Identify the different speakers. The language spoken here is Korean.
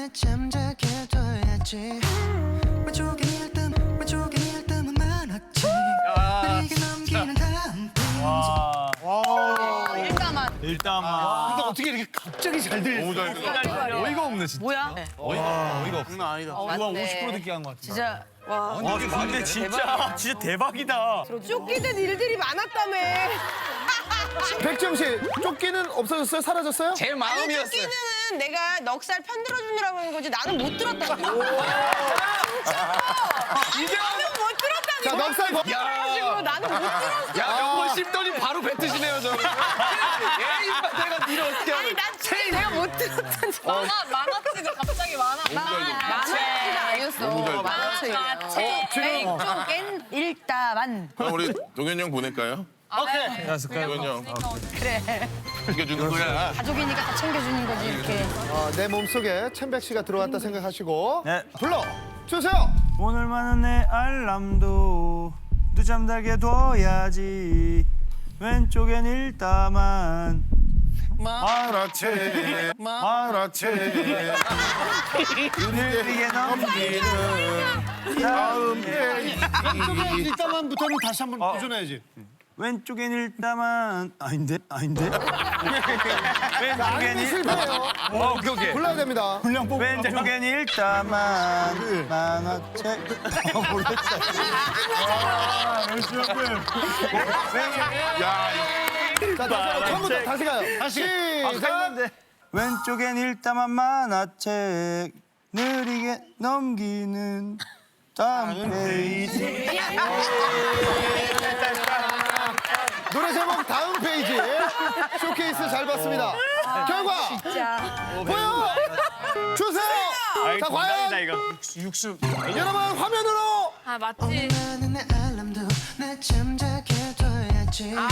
Speaker 1: 나 잠자게 둬야지. 왼쪽엔 일담은 많았지. 느리게 넘기는 다음
Speaker 2: 일단만.
Speaker 3: 근데 어떻게 이렇게 갑자기 잘 들려?
Speaker 4: 너무 잘 들어.
Speaker 2: 어이가 없네 진짜.
Speaker 5: 뭐야?
Speaker 2: 어이가 없어.
Speaker 3: 장난 아니다.
Speaker 2: 누가 50% 듣기 한 것 같아.
Speaker 5: 진짜
Speaker 2: 와 근데 진짜 대박이다.
Speaker 6: 쫓기는 일들이 많았다며.
Speaker 3: 백정 씨, 쫓기는 없어졌어요? 사라졌어요?
Speaker 4: 제
Speaker 6: 아니
Speaker 4: 마음이었어요.
Speaker 6: 쫓기는 내가 넉살 편들어주느라고 하는 거지 나는 못 들었다고.
Speaker 4: 이제
Speaker 6: 나는 못 들었다니.
Speaker 3: 자, 넉살 거.
Speaker 6: 그래가지고 나는 못 들었어.
Speaker 4: 야, 몇번 씹더니 바로 뱉으시네요, 저. 예인만 내가 니를 어떻게
Speaker 6: 아니
Speaker 4: 하는.
Speaker 6: 난 진짜 내가 못 들었다니.
Speaker 5: 만화책을 갑자기 만화책 아니었어. 만화책. 왼쪽엔 일다만.
Speaker 7: 그럼 우리 동현이 형 보낼까요? 동현이 형.
Speaker 5: 그래.
Speaker 7: 챙겨주는 거야.
Speaker 5: 가족이니까 다 챙겨주는 거지 이렇게.
Speaker 3: 내 몸속에 챔백 씨가 들어왔다 생각하시고
Speaker 2: 네.
Speaker 3: 불러 주세요.
Speaker 2: 오늘만은 내 알람도 늦잠 달게 둬야지. 왼쪽엔 일다만.
Speaker 7: 만화책, 만화책.
Speaker 2: 느리게 넘기는
Speaker 7: 다음 페이지.
Speaker 3: 일단만부터는 다시 한번 도전해야지.
Speaker 2: 왼쪽엔 일다만 아닌데? 왼쪽엔
Speaker 3: 실패해요.
Speaker 2: 오케이.
Speaker 3: 불러야 됩니다.
Speaker 2: 왼쪽엔 일다만 만화책. 모르겠어.
Speaker 7: 야,
Speaker 3: 자, 처음부터 다시 가요. 다시. 시작.
Speaker 2: 왼쪽엔 일다만 만화책 느리게 넘기는 다음 페이지.
Speaker 3: 노래 제목 다음 페이지. 쇼케이스 잘 봤습니다. 결과 보여 주세요. 자, 과연 여러분 화면으로
Speaker 5: 아 맞지.
Speaker 1: 나는 내 알람도 나 잠자게 둬야지.